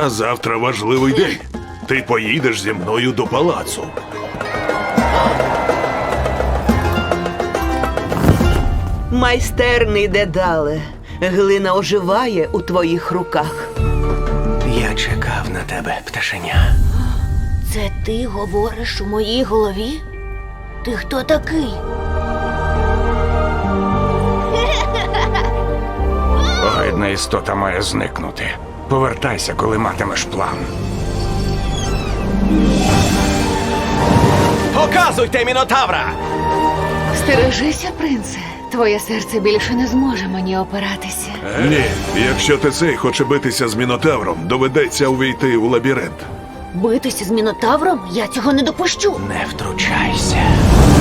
А завтра важливий день. Ти поїдеш зі мною до палацу. Майстерний Дедале, глина оживає у твоїх руках. Я чекав на тебе, пташеня. Це ти говориш у моїй голові? Ти хто такий? Огидна істота має зникнути. Повертайся, коли матимеш план. Показуйте мінотавра! Стережися, принце. Твоє серце більше не зможе мені опиратися. Ні, якщо ти цей хоче битися з Мінотавром, доведеться увійти у лабіринт. Битися з мінотавром? Я цього не допущу. Не втручайся.